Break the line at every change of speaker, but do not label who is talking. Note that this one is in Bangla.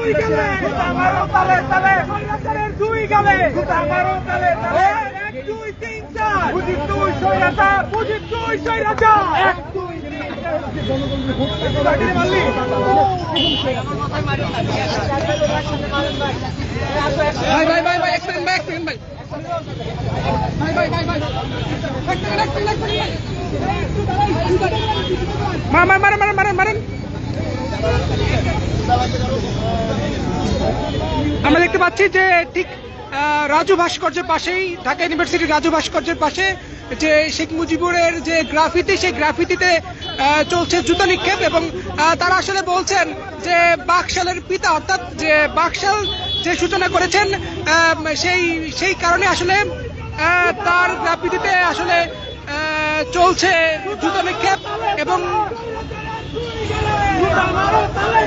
আমরা দেখতে পাচ্ছি যে ঠিক রাজু ভাস্কর্যের পাশেই, ঢাকা ইউনিভার্সিটির রাজু ভাস্কর্যের পাশে যে শেখ মুজিবুরের যে গ্রাফিতি, সেই গ্রাফিতিতে চলছে জুতা নিক্ষেপ। এবং তারা আসলে বলছেন যে বাকশালের পিতা, অর্থাৎ যে বাকশাল যে সূচনা করেছেন, সেই কারণে আসলে তার গ্রাফিতিতে আসলে চলছে জুতা নিক্ষেপ। এবং